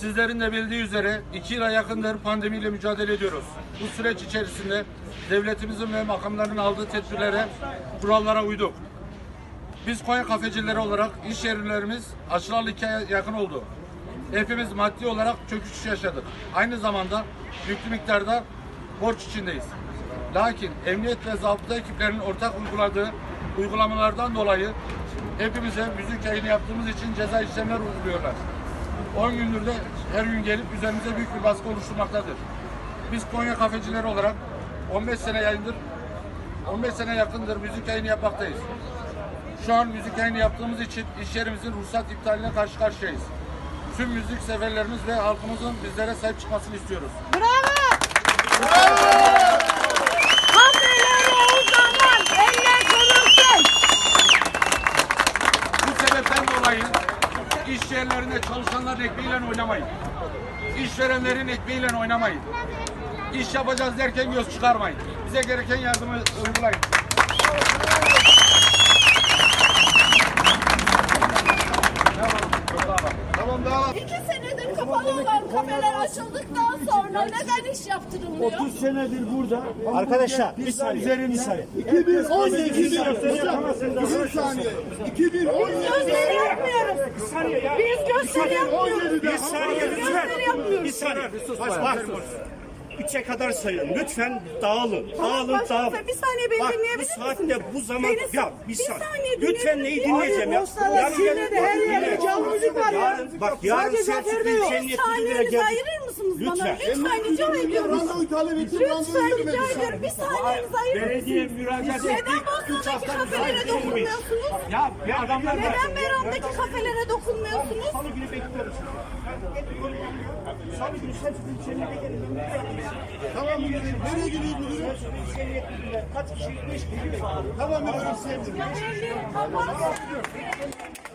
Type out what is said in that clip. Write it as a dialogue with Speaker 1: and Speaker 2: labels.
Speaker 1: Sizlerin de bildiği üzere 2 yıla yakındır pandemiyle mücadele ediyoruz. Bu süreç içerisinde devletimizin ve makamların aldığı tedbirlere, kurallara uyduk. Biz Konya kafecileri olarak iş yerlerimiz açılalı 2 aya yakın oldu. Hepimiz maddi olarak çöküş yaşadık. Aynı zamanda yüklü miktarda borç içindeyiz. Lakin emniyet ve zabıta ekiplerinin ortak uyguladığı uygulamalardan dolayı hepimize müzik yayını yaptığımız için ceza işlemler uyguluyorlar. 10 gündür de her gün gelip üzerimize büyük bir baskı oluşturmaktadır. Biz Konya kafecileri olarak 15 sene yakındır müzik yayını yapmaktayız. Şu an müzik yayını yaptığımız için iş yerimizin ruhsat iptaline karşı karşıyayız. Tüm müzik severlerimiz ve halkımızın bizlere sahip çıkmasını istiyoruz.
Speaker 2: Bravo! Bravo! Kafeleri o zaman eller konulsun.
Speaker 1: Bu sebepten dolayı iş yerlerinde çalışanların ekmeğiyle oynamayın. İşverenlerin ekmeğiyle oynamayın. İş yapacağız derken göz çıkarmayın. Bize gereken yardımı uygulayın.
Speaker 2: Tamam. 2 senedir kapalı olan kafeler açıldıktan sonra neden iş yaptırılmıyor?
Speaker 3: 30 senedir burada.
Speaker 4: Arkadaşlar bir saniye.
Speaker 3: 2018 saniye. 2017
Speaker 2: Gösteri yapmıyoruz. Biz gösteri yapmıyoruz.
Speaker 4: Bir saniye lütfen. Bir saniye. Bak. 3'e kadar sayın. Lütfen dağılın. Dağılın.
Speaker 2: Bir saniye beni
Speaker 4: Bak,
Speaker 2: dinleyebilir
Speaker 4: bu
Speaker 2: misiniz?
Speaker 4: saatte bu zaman ya bir saniye.
Speaker 2: dinleyebilir
Speaker 4: Lütfen neyi
Speaker 2: misiniz?
Speaker 4: dinleyeceğim ya?
Speaker 2: Her yerde canlı müzik var ya.
Speaker 4: Bak yarın Selçuk Büyükşehir'in
Speaker 2: Bir
Speaker 4: yetkilileri
Speaker 2: saniyenizi
Speaker 4: gelecek.
Speaker 2: ayırır mısınız bana?
Speaker 4: Lütfen.
Speaker 2: Lütfen rica ediyorum.
Speaker 3: randevu talep ettim.
Speaker 2: Lütfen rica ediyorum. Bir saniyenizi ayırır mısınız?
Speaker 4: Belediye müracaat
Speaker 2: Neden
Speaker 4: ettik.
Speaker 2: Bosna'daki kafelere dokunmuyorsunuz?
Speaker 4: Ya adamlar
Speaker 2: Neden Meram'daki kafelere dokunmuyorsunuz?
Speaker 4: Salı günü bekliyoruz. Salı günü Selçuk Büyükşehir'e gelin.
Speaker 3: Tamam müdürüm. Nereye gidiyor müdürüm?
Speaker 4: Kaç kişi? 5 kişi.
Speaker 3: Tamam müdürüm.
Speaker 2: Ya belli. Kapat.